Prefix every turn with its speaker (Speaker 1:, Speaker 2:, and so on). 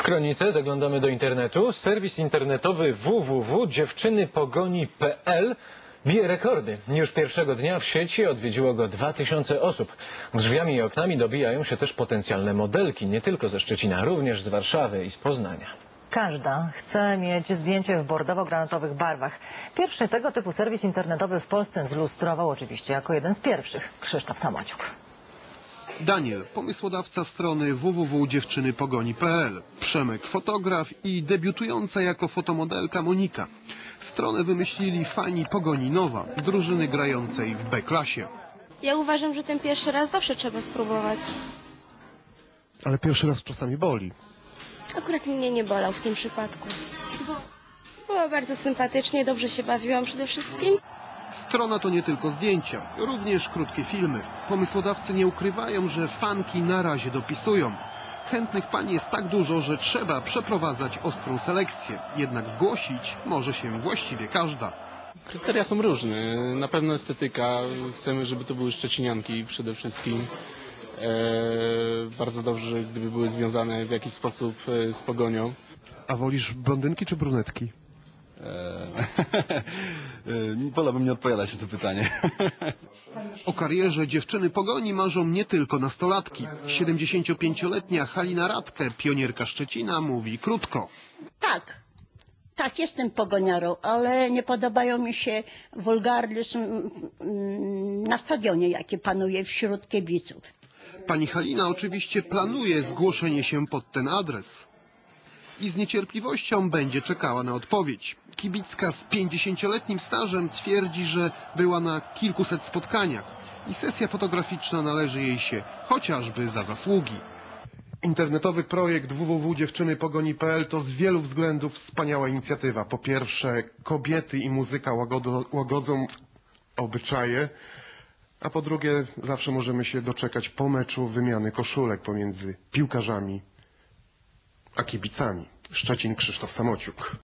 Speaker 1: Kronice zaglądamy do internetu. Serwis internetowy www.dziewczynypogoni.pl bije rekordy. Już pierwszego dnia w sieci odwiedziło go 2000 osób. Drzwiami i oknami dobijają się też potencjalne modelki, nie tylko ze Szczecina, również z Warszawy i z Poznania.
Speaker 2: Każda chce mieć zdjęcie w bordowo-granatowych barwach. Pierwszy tego typu serwis internetowy w Polsce zlustrował oczywiście jako jeden z pierwszych Krzysztof Samociuk.
Speaker 3: Daniel, pomysłodawca strony www.dziewczynypogoni.pl, Przemek, fotograf i debiutująca jako fotomodelka Monika. Stronę wymyślili fani Pogoni Nowa, drużyny grającej w B-klasie.
Speaker 4: Ja uważam, że ten pierwszy raz zawsze trzeba spróbować.
Speaker 3: Ale pierwszy raz czasami boli.
Speaker 4: Akurat mnie nie bolał w tym przypadku. Było bardzo sympatycznie, dobrze się bawiłam przede wszystkim.
Speaker 3: Strona to nie tylko zdjęcia, również krótkie filmy. Pomysłodawcy nie ukrywają, że fanki na razie dopisują. Chętnych pań jest tak dużo, że trzeba przeprowadzać ostrą selekcję. Jednak zgłosić może się właściwie każda.
Speaker 5: Kryteria są różne. Na pewno estetyka. Chcemy, żeby to były szczecinianki przede wszystkim. Bardzo dobrze, gdyby były związane w jakiś sposób z Pogonią.
Speaker 3: A wolisz blondynki czy brunetki?
Speaker 6: Wolałbym nie odpowiadać na to pytanie.
Speaker 3: O karierze dziewczyny Pogoni marzą nie tylko nastolatki. 75-letnia Halina Radke, pionierka Szczecina, mówi krótko.
Speaker 7: Tak, jestem pogoniarą, ale nie podobają mi się wulgaryzm na stadionie, jaki panuje wśród kibiców.
Speaker 3: Pani Halina oczywiście planuje zgłoszenie się pod ten adres. I z niecierpliwością będzie czekała na odpowiedź. Kibicka z 50-letnim stażem twierdzi, że była na kilkuset spotkaniach i sesja fotograficzna należy jej się chociażby za zasługi. Internetowy projekt www.dziewczynypogoni.pl to z wielu względów wspaniała inicjatywa. Po pierwsze, kobiety i muzyka łagodzą obyczaje, a po drugie, zawsze możemy się doczekać po meczu wymiany koszulek pomiędzy piłkarzami a kibicami. Szczecin, Krzysztof Samociuk.